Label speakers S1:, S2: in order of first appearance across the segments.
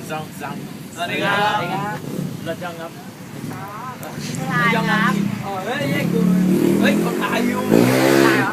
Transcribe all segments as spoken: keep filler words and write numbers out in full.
S1: สองสาม
S2: สวัสดีครับ
S1: รถยังครับ
S3: ถ่ายครับ
S2: เฮ้ยแยกกูเฮ้ยคนถ่ายอยู่ถ่ายเหรอ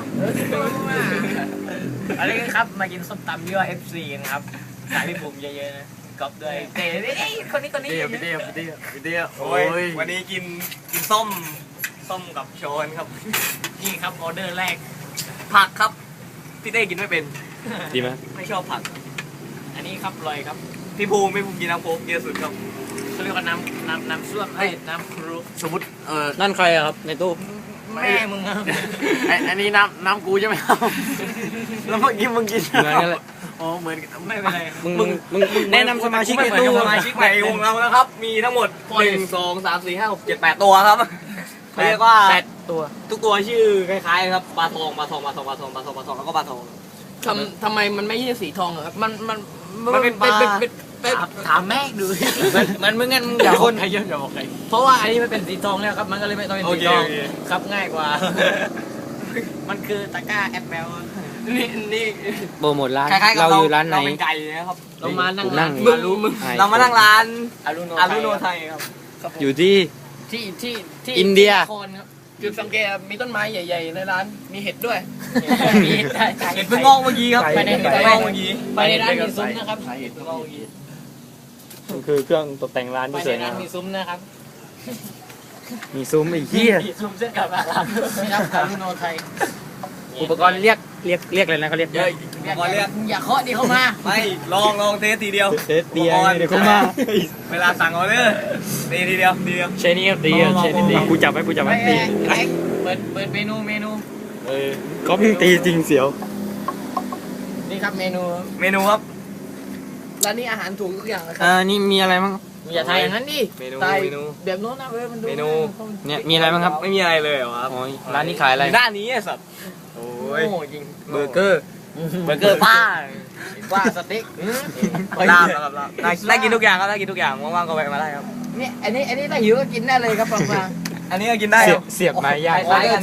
S1: อะไรกันครับมากินส้มตำยี่ห้อ เอฟ ซี นะครับขายพี่บุ๋มเยอะๆนะกอบด้วยเต๋เอ้ยคนนี้คนนี้
S2: เดียวเดียวเดียวเดียวโอ้ยวันนี้กินกินส้มส้มกับโชนครับ
S1: นี่ครับออเดอร์แรก
S2: ผักครับพี่เต้กินไม่เป็น
S4: ดีไหม
S2: ไม่ชอบผัก
S1: อันนี้ครับลอยครับ
S2: พี่ภูมิพี่ภูมิกินน้ำโค้กเยอะสุดครับ
S1: เขาเรียกว่าน้ำน้ำน้ำส้วมไอ้น้ำครู
S2: สมมติเออ
S4: นั่นใครอะครับในตู้
S1: แม่มึงครับ
S2: ไออันนี้น้ำน้ำกูใช่ไหมครับแล้วเมื่อกี้มึงกิน
S4: เหมือนกันเลย
S2: อ๋อเหมือน
S1: ไม่เป็นไร
S4: มึงมึงมึงแนะนำสมาชิกในตู้
S2: สมาชิกใหม่วงเรานะครับมีทั้งหมดหนึ่งสองสามสี่ห้าหกเจ็ดแปดตัวครับเขาเรียกว่า
S1: แปดตัว
S2: ทุกตัวชื่อคล้ายๆครับปลาทองปลาทองปลาทองปลาทองปลาทองปลาทองแล้วก็ปลาทอง
S4: ทำทำไมมันไม่ใช่สีทองครับ
S1: มันมัน
S2: มันเป็นปลา
S1: ถามแม่ดู
S4: มันมึงงั้นอย่าคน
S1: ใครเยอะอย่าบอกใคร
S4: เพราะว่าอันนี้มันเป็นสีทองแล้วครับมันก็เลยไม่ต้องเป็นสีทอง
S1: ครับง่ายกว่ามันคือตะกร้าแอปเปิล
S2: นี่นี่
S4: โปรโมทร้านเราอยู่ร้านไหน
S2: เราเป็นไก่นะครับ
S1: เรามานั่งร้าน
S4: มึง
S2: มึงเรามานั่งร้าน
S1: อารุโน
S2: อารุโนไทยครับ
S4: อยู่ที่
S1: ที่ที่ที่
S4: อินเดีย
S1: จุดสังเกตมีต้นไม้ใหญ่ๆในร้านมีเห็ดด้วย
S2: มีเห็ดเห็ดเพิ่งงอกเมื่อกี้ครับ
S1: ไปใน
S2: เห็ดเพิ่งงอกเมื่อกี้
S1: ไปในร้านมีซุ้มนะครับเห็ดเพิ่งงอกเมื่อกี้
S4: คือเครื่องตกแต่งร้านที่สวยงาม
S1: มีซุ้มนะครับ
S4: มีซุ้มไอ้เหี้ย
S1: มีซุ้มเส้นกับร้านไม่รับอารุโนไทย
S4: อุปกรณ์เรียกเรียกเรียกอะไรนะเขาเรียก
S2: เยอะอุปกรณ์เรียก
S1: อย่าเคาะดิเข้ามา
S2: ไม่ลองลองเทสทีเดียว
S4: เทสเดียวเดี๋ยวเข้ามา
S2: เวลาสั่งออเดอร์ตีทีเดียวทีเดียว
S4: ใช่นี่ครับตีใช่นี่ตีกูจับไว้กูจับไว้ตี
S1: เปิดเปิดเมนูเมนู
S4: เออก็พิงตีจริงเสียว
S1: นี่ครับเมนู
S2: เมนูครับ
S1: ร้านนี้อาหารถูกทุกอย่างเลยครั
S4: อ่านี่มีอะไรบ้าง
S1: อย่าถ่ายอย่างนั้นดิ
S2: เมนู
S1: ถ่าย
S2: เมนู
S1: แบบโน้นนะเว้ยมันดู
S2: เมนู
S4: เนี่ยมีอะไรบ้างครับ
S2: ไม่มีอะไรเลยเหรอครับ
S4: ร้านนี้ขายอะไร
S2: ด้านนี้ไอ้สัตว์โอ้ย
S1: จริง
S4: เบอร์เกอร์
S1: เบอร์เกอร์ป้าป้าสเต็ก
S2: ลาบครับลาบได้กินทุกอย่างครับได้กินทุกอย่างว่างๆก็แวะมาได้ครับ
S1: นี่อันนี้อันนี้ถ้าหิวก็กินได้เลยครับฟังฟัง
S2: อันนี้ก็กินได้
S4: เสียบไม้ย่าง
S1: คล้ายกัน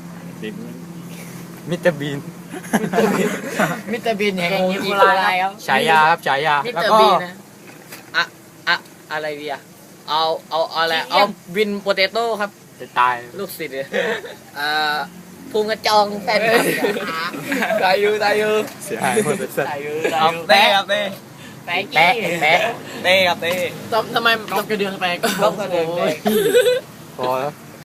S4: มิสเตอร์บีน
S1: มิสเตอร์บีนแห่งอีโคไลครับ
S4: ฉายาครับฉายา
S1: แล้วก็อะอะอะไรดีอะเอาเอาอะไรเอาวินโปเตโต้ครับ
S4: จะตาย
S1: ลูกศิษย์อ่าภูมิกระจองแฟน
S2: ตายอยู่ตายอยู่
S4: เสียหายหมดเลย
S1: ตายอยู่
S2: ตายอยู่เต้ครับเต้
S1: แปะแปะแปะ
S2: เต้ครับเต้
S1: ทำไมต้องกระเดืองแปะก็
S4: พอแล้ว